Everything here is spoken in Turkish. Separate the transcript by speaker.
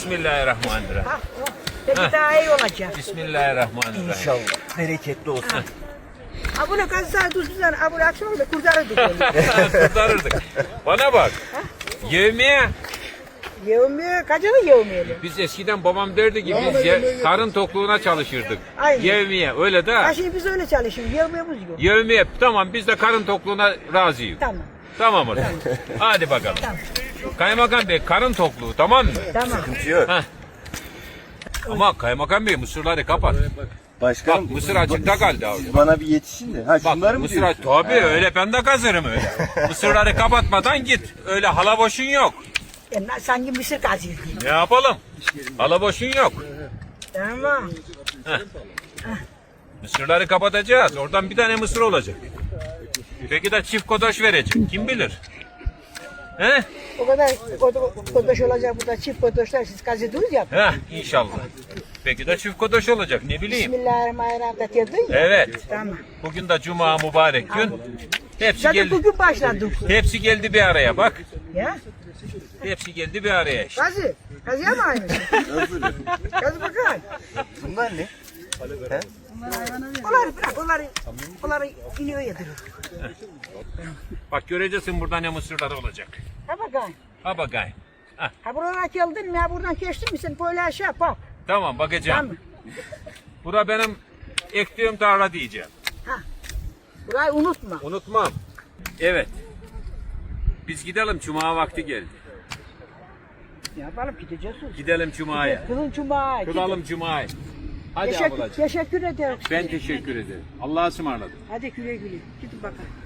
Speaker 1: Bismillahirrahmanirrahim.
Speaker 2: Ha, peki daha iyi olacak.
Speaker 1: Bismillahirrahmanirrahim.
Speaker 3: İnşallah. Bereketli olsun.
Speaker 2: Ha bunu kazısan tuzsuzdan, ha bunu akşam da kurtarırdık onu.
Speaker 1: Kurtarırdık. Bana bak. Yevmiye.
Speaker 2: Yevmiye, kaçını yevmiyeli?
Speaker 1: Biz eskiden babam derdi ki biz karın tokluğuna çalışırdık.
Speaker 2: Aynen.
Speaker 1: Yevmiye öyle de.
Speaker 2: Ha şimdi biz öyle çalışıyoruz, yevmiyemiz yok.
Speaker 1: Yevmiye tamam biz de karın tokluğuna razıyız.
Speaker 2: Tamam,
Speaker 1: Tamam o zaman. Hadi bakalım.
Speaker 2: tamam,
Speaker 1: Kaymakam Bey karın tokluğu tamam mı?
Speaker 2: tamam.
Speaker 3: Sıkıntı yok.
Speaker 1: Heh. Ama Kaymakam Bey mısırları kapat.
Speaker 3: Başkanım.
Speaker 1: Bak, mısır açıkta kaldı abi.
Speaker 3: Siz bana bir yetişin de. Ha
Speaker 1: Bak
Speaker 3: şunları mı
Speaker 1: mısır
Speaker 3: diyorsun?
Speaker 1: tabii öyle ben de kazırım öyle. Mısırları kapatmadan git. Öyle hala boşun yok.
Speaker 2: Sanki mısır kazıyor gibi.
Speaker 1: Ne yapalım? Hala boşun yok.
Speaker 2: Tamam.
Speaker 1: Mısırları kapatacağız. Oradan bir tane mısır olacak. Peki de çift kodoş verecek. Kim bilir? He?
Speaker 2: O kadar kodoş olacak burada, çift kodoşlar siz kazıdınız ya.
Speaker 1: Heh, inşallah. Peki de çift kodoş olacak. Ne bileyim.
Speaker 2: Bismillahirrahmanirrahim da diyordun ya.
Speaker 1: Evet.
Speaker 2: Tamam.
Speaker 1: Bugün de cuma mübarek gün. Hepsi
Speaker 2: Zaten
Speaker 1: geldi.
Speaker 2: bugün başladık.
Speaker 1: Hepsi geldi bir araya bak.
Speaker 2: Ya.
Speaker 1: Hepsi geldi bir araya işte.
Speaker 2: Kazı. Kazıya mı aynı? Kazı bakalım.
Speaker 3: Bunlar ne? He?
Speaker 2: Onları bırak, onları iniyor yedirir.
Speaker 1: Bak göreceksin burada ne mısırları olacak.
Speaker 2: Ha bakalım.
Speaker 1: Ha bakayım.
Speaker 2: Ha buradan geldin mi? Ha buradan geçtin mi? Sen böyle aşağı bak.
Speaker 1: Tamam bakacağım.
Speaker 2: Tamam.
Speaker 1: Bura benim ektiğim tarla diyeceğim.
Speaker 2: Burayı unutma.
Speaker 1: Unutmam. Evet. Biz gidelim cuma vakti geldi.
Speaker 2: Ne yapalım gideceğiz.
Speaker 1: Gidelim cumaya.
Speaker 2: Kılın cuma.
Speaker 1: Kılalım cumayı. Hadi ablacığım.
Speaker 2: Teşekkür ederiz.
Speaker 1: Ben teşekkür ederim. Allah'a ısmarladık.
Speaker 2: Hadi güle güle. Gidin bakalım.